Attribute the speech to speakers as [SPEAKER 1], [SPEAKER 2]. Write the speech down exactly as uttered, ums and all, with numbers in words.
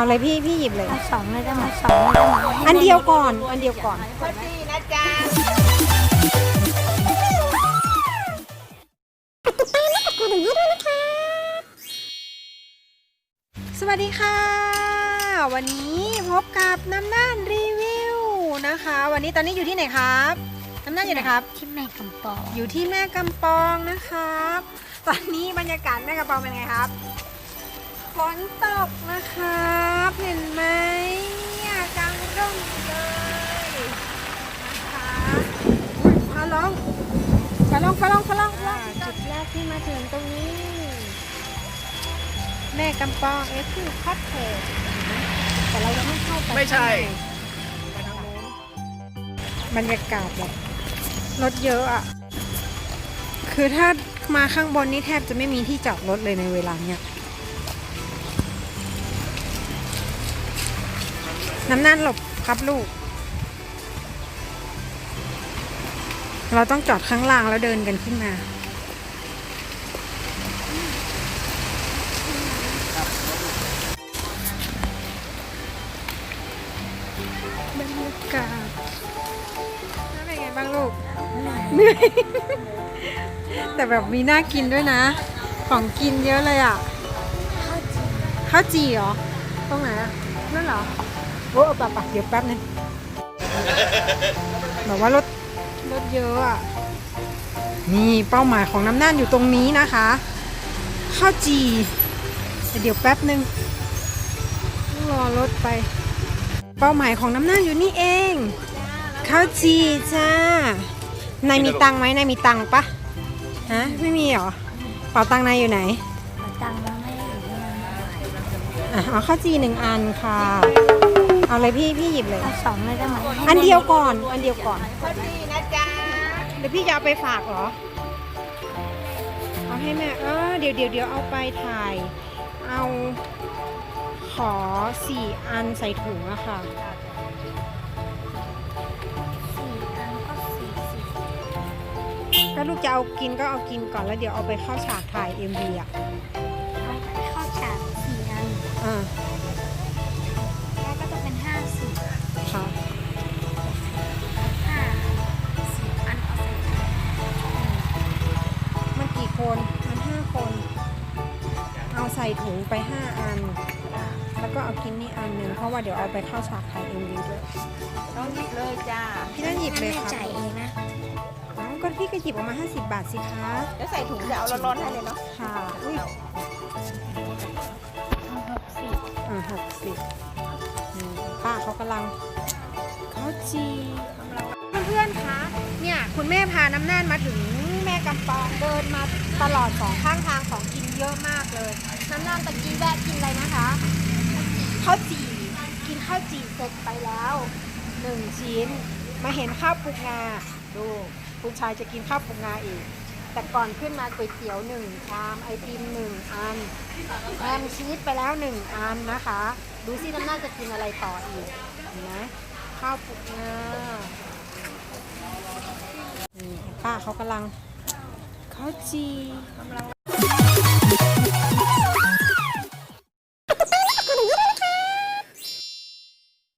[SPEAKER 1] เอาเลยพี่พี่หยิบเลย
[SPEAKER 2] เอาสองเลยได้ไหมสองเลยได้ไหม
[SPEAKER 1] อันเดียวก่อนอันเดียวก่อน
[SPEAKER 3] พอดีนะจ๊ะ
[SPEAKER 1] สวัสดีค่ะวันนี้พบกับน้ำน่านรีวิวนะคะ วันนี้ตอนนี้อยู่ที่ไหนครับน้ำน่านอยู่ไหนครับ
[SPEAKER 2] ที่แม่กำปอง
[SPEAKER 1] อยู่ที่แม่กำปองนะครับตอนนี้บรรยากาศแม่กำปองเป็นไงครับฝนตกนะครับเห็นไหมเนี่ยกลางร่มเลยนะคะมาลองมาลองมาลองมาลอง
[SPEAKER 2] จุดแรกที่มาถึงตรงนี้
[SPEAKER 1] แม่กำปองเอฟคือคอสเพลย์แต่เรายังไม่เข้าไป
[SPEAKER 3] ไม่ใช่
[SPEAKER 1] บรรยากาศแบบรถเยอะอ่ะคือถ้ามาข้างบนนี่แทบจะไม่มีที่จอดรถเลยในเวลาเนี้ยน้ำน่านหลบครับลูกเราต้องจอดข้างล่างแล้วเดินกันขึ้นมาบรรยากาศเป็นไงบ้างลูกเหนื่อยแต่แบบมีน่ากินด้วยนะของกินเยอะเลยอ่ะข้าวจี่เหรอตรงไหนอ่ะนั่นเหรอโอ้ปะปะเดี๋ยวแป๊บนึงแบบว่ารถรถเยอะอ่ะนี่เป้าหมายของน้ำน่านอยู่ตรงนี้นะคะข้าวจี่เดี๋ยวแป๊บนึงรอรถไปเป้าหมายของน้ำน่านอยู่นี่เองข้าวจี่จ้านายมีตังไหมนายมีตังปะฮะไม่มีเหรอเป๋าตังนายอยู่ไหน
[SPEAKER 2] ตังค์ไม่ได้อยู่ที่นั่น
[SPEAKER 1] อ่ะเอาข้าวจี่หนึ่งอันค่ะเอาเลยพี่พี่หยิบเลย
[SPEAKER 2] เอาสองเลยได้ไหม
[SPEAKER 1] อันเดียวก่อนอันเดียวก่อน
[SPEAKER 3] พอดีนะจ๊ะ
[SPEAKER 1] เดี๋ยวพี่จะเอาไปฝากเหรอเอาให้แม่เออเดี๋ยวเดี๋ยวเดี๋ยวเอาไปถ่ายเอาขอสี่อันใส่ถุงอะค่ะ
[SPEAKER 2] สี่อันก็สี่สิบ
[SPEAKER 1] ก็ลูกจะเอากินก็เอากินก่อนแล้วเดี๋ยวเอาไปเข้าฉากถ่าย เอ็ม วี อ่ะ
[SPEAKER 2] เอาเข้าฉากสี่อัน
[SPEAKER 1] อ่า
[SPEAKER 2] แล้วก็จะเป็นห้าสิบ
[SPEAKER 1] ค่ะ
[SPEAKER 2] ห้าสิบอันเอาใส่ถุง
[SPEAKER 1] มันกี่คนมันห้าคนเอาใส่ถุงไปห้าอันแล้วก็เอากินนี่อันหนึ่งเพราะว่าเดี๋ยวเอาไปเข้าฉากถ่าย เอ็ม วี ด้วย
[SPEAKER 3] ต้องหยิบเลยจ้า
[SPEAKER 1] พี่นั่นหยิบเลยค่ะ
[SPEAKER 2] จ่ายเองนะ
[SPEAKER 1] อ๋อก็พี่ก็หยิบออกมาห้าสิบบาทสิคะ
[SPEAKER 3] แล้วใส่ถุงจะเอาร้อนๆให้เลยเนาะ
[SPEAKER 1] ค่ะอุ้ย
[SPEAKER 2] หกสิบ
[SPEAKER 1] อ่าหกสิบป้าเขากำลังข้าวจีเพื่อนๆคะเนี่ยคุณแม่พาน้ำน่านมาถึงแม่กำปองเดินมาตลอดสองข้างทางของกินเยอะมากเลยน้ำน่านตะกี้แวะกินอะไรนะคะข้าวจี่กินข้าวจี่เสร็จไปแล้วหนึ่งชิ้นมาเห็นข้าวปลุกงาดูคุณชายจะกินข้าวปลุกงาอีกแต่ก่อนขึ้นมาก๋วยเตี๋ยวหนึ่งชามไอติมหนึ่งอันแฮมชีสไปแล้วหนึ่งอันนะคะดูสิน้ำน่านจะกินอะไรต่ออีกเห็นไหมข้าวปลุกงานี่ป้าเขากำลังข้าวจี